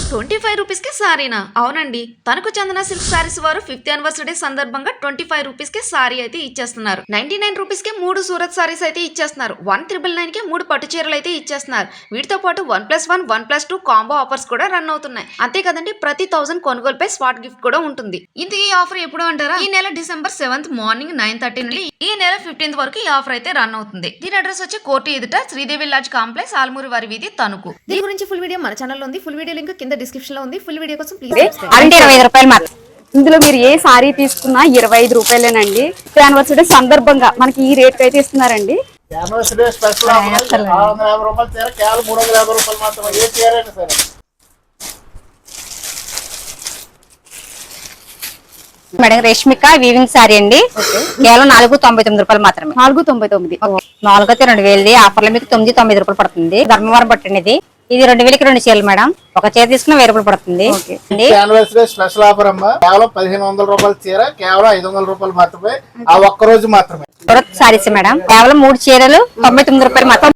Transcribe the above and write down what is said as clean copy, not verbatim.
25 rupees కి సారీనా? అవునండి, తనకు చందన సిల్క్ సారీస్ వారు 5th యానివర్సరీ సందర్భంగా 25 రూపీస్ కి సారీ అయితే ఇచ్చేస్తున్నారు. 99 రూపీస్ కి 3 సూరత్ సారీస్ అయితే ఇచ్చేస్తున్నారు. 1999 కి 3 పట్టు చీరలు అయితే ఇచ్చేస్తున్నారు. వీటితో పాటు 1+1 1+2 కాంబో ఆఫర్స్ కూడా రన్ అవుతున్నాయి. అంతే కదండి, ప్రతి 1000 కొనుగోలుపై స్పాట్ గిఫ్ట్ కూడా ఉంటుంది. ఇంతకీ ఈ ఆఫర్ ఎప్పుడు అంటారా? ఈ నెల డిసెంబర్ 7th మార్నింగ్ 9:30 నుండి ఈ నెల 15th వరకు ఈ ఆఫర్ అయితే రన్ అవుతుంది. దీని అడ్రస్ వచ్చి కోర్టు ఎదుట శ్రీదేవి లాడ్జ్ కాంప్లెక్స్, ఆల్మూరి వారి వీధి, తణుకు. దీని గురించి ఫుల్ వీడియో మన ఛానల్లో ఉంది. ఫుల్ వీడియో లింక్ కింద డిస్క్రిప్షన్ లో ఉంది. ఫుల్ వీడియో కోసం ప్లీజ్ అంటే 25 రూపాయలు మాత్రం. ఇందులో మీరు ఏ సారీ తీసుకున్నా 25 రూపాయలేనండి. యానివర్సరీ సందర్భంగా మనకి ఈ రేట్ అయితే ఇస్తున్నారండి. మేడం రేష్మిక వీవింగ్ సారీ అండి, కేవలం 499 రూపాయలు మాత్రమే. 499. 4 అయితే 2000 ఆఫర్లో మీకు 990 రూపాయలు పడుతుంది. ధర్మవరం పట్టండి. ఇది 2000కి 2 చీరలు మేడం. ఒక చీర తీసుకున్న 1000 రూపాయలు పడుతుంది. స్పెషల్ ఆఫర్ అమ్మా, కేవలం 1500 రూపాయల చీర కేవలం 500 రూపాయలు మాత్రమే. ఆ ఒక్క రోజు మాత్రమే. సారీస్ మేడం, కేవలం 3 చీరలు 99 రూపాయలు మాత్రం.